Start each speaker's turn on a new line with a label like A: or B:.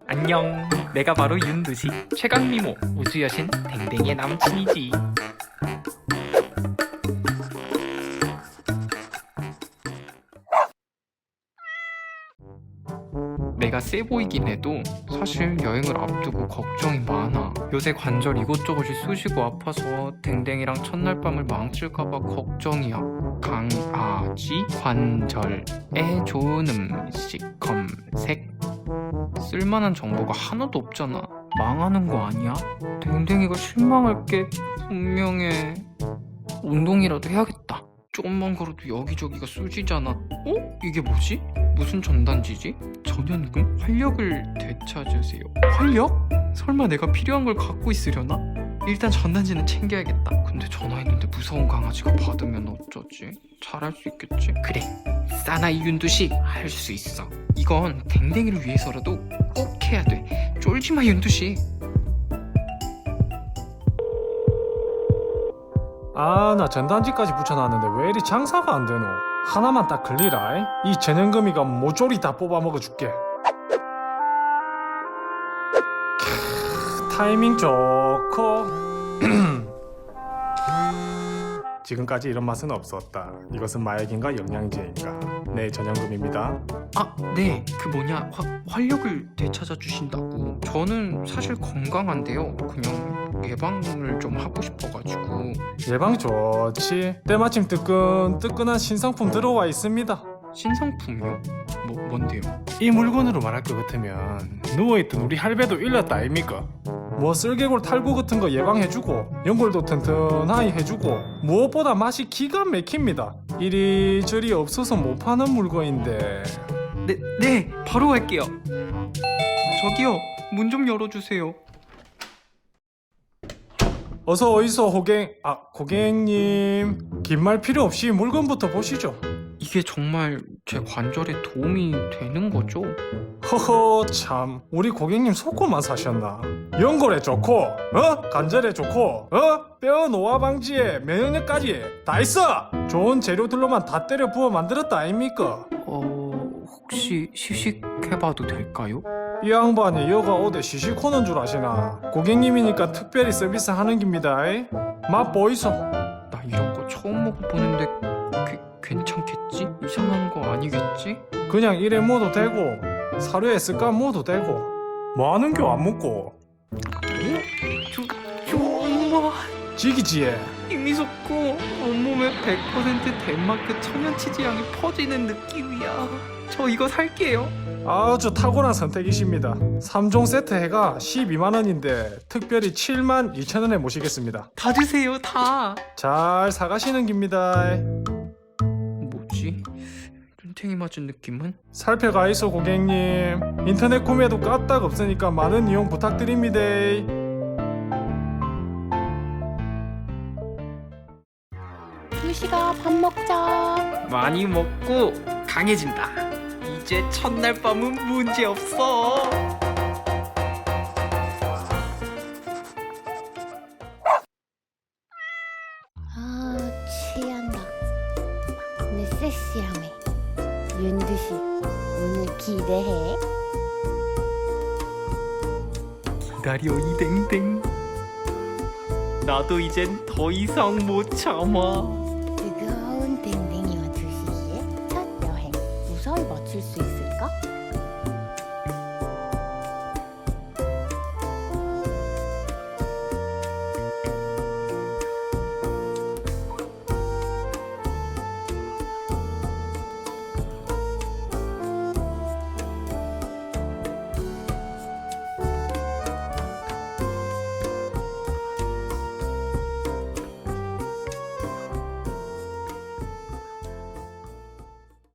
A: 안녕, 내가 바로 윤두식 최강미모 우주여신 댕댕이의 남친이지. 내가 세 보이긴 해도 사실 여행을 앞두고 걱정이 많아. 요새 관절 이곳저곳이 쑤시고 아파서 댕댕이랑 첫날 밤을 망칠까봐 걱정이야. 강아지 관절에 좋은 음식 검색. 쓸만한 정보가 하나도 없잖아. 망하는 거 아니야? 댕댕이가 실망할 게 분명해. 운동이라도 해야겠다. 조금만 걸어도 여기저기가 쑤시잖아. 어? 이게 뭐지? 무슨 전단지지? 전현금? 활력을 되찾으세요. 활력? 설마 내가 필요한 걸 갖고 있으려나? 일단 전단지는 챙겨야겠다. 근데 전화했는데 무서운 강아지가 받으면 어쩌지? 잘할 수 있겠지? 그래, 사나이 윤두식 할 수 있어. 이건 댕댕이를 위해서라도 꼭 해야 돼. 쫄지마 윤두식.
B: 아, 나 전단지까지 붙여놨는데 왜 이리 장사가 안 되노? 하나만 딱 걸리라. 이 전현금이가 모조리 다 뽑아 먹어줄게. 타이밍 좋고. 지금까지 이런 맛은 없었다. 이것은 마약인가 영양제인가? 네, 전현금입니다.
A: 아, 네. 그 뭐냐, 활력을 되찾아 주신다고. 저는 사실 건강한데요. 그냥 예방을 좀 하고 싶어가지고.
B: 예방 좋지. 때마침 뜨끈뜨끈한 신상품 들어와 있습니다.
A: 신상품이요? 뭔데요?
B: 이 물건으로 말할 것 같으면 누워있던 우리 할배도 일렀다 아닙니까? 뭐 쓸개골 탈구 같은 거 예방해주고 연골도 튼튼하게 해주고 무엇보다 맛이 기가 막힙니다. 이리저리 없어서 못 파는 물건인데.
A: 네, 바로 갈게요. 저기요, 문 좀 열어주세요.
B: 어서 오이소 고객님. 긴 말 필요 없이 물건부터 보시죠.
A: 이게 정말 제 관절에 도움이 되는 거죠?
B: 허허, 참 우리 고객님 속고만 사셨나? 연골에 좋고 관절에 좋고 뼈 노화 방지에 면역력까지 다 있어. 좋은 재료들로만 다 때려 부어 만들었다 아닙니까?
A: 혹시 시식해봐도 될까요?
B: 이 양반이 여가 어디 시시코는 줄 아시나? 고객님이니까 특별히 서비스 하는 깁니다. 맛 보이소.
A: 나 이런 거 처음 먹어보는데 괜찮겠지? 이상한 거 아니겠지?
B: 그냥 이래 먹어도 되고 사료에 습관 먹어도 되고 뭐하는 겨 안 먹고.
A: 정말
B: 지기지에
A: 힘이 솟고 온몸에 100% 덴마크 천연 치즈향이 퍼지는 느낌이야. 저 이거 살게요.
B: 아주 탁월한 선택이십니다. 3종 세트 해가 12만원인데 특별히 72,000원에 모시겠습니다.
A: 다 주세요, 다.
B: 잘 사가시는 깁니다.
A: 뭐지? 눈탱이 맞은 느낌은?
B: 살펴가이소 고객님. 인터넷 구매도 까딱 없으니까 많은 이용 부탁드립니다.
C: 두식아, 밥 먹자.
A: 많이 먹고 강해진다. 이제 첫날 밤은 문제 없어.
C: 아, 취한다. 내 섹시함에. 윤두식, 오늘 기대해.
A: 기다려 이 댕댕. 나도 이젠 더 이상 못 참아.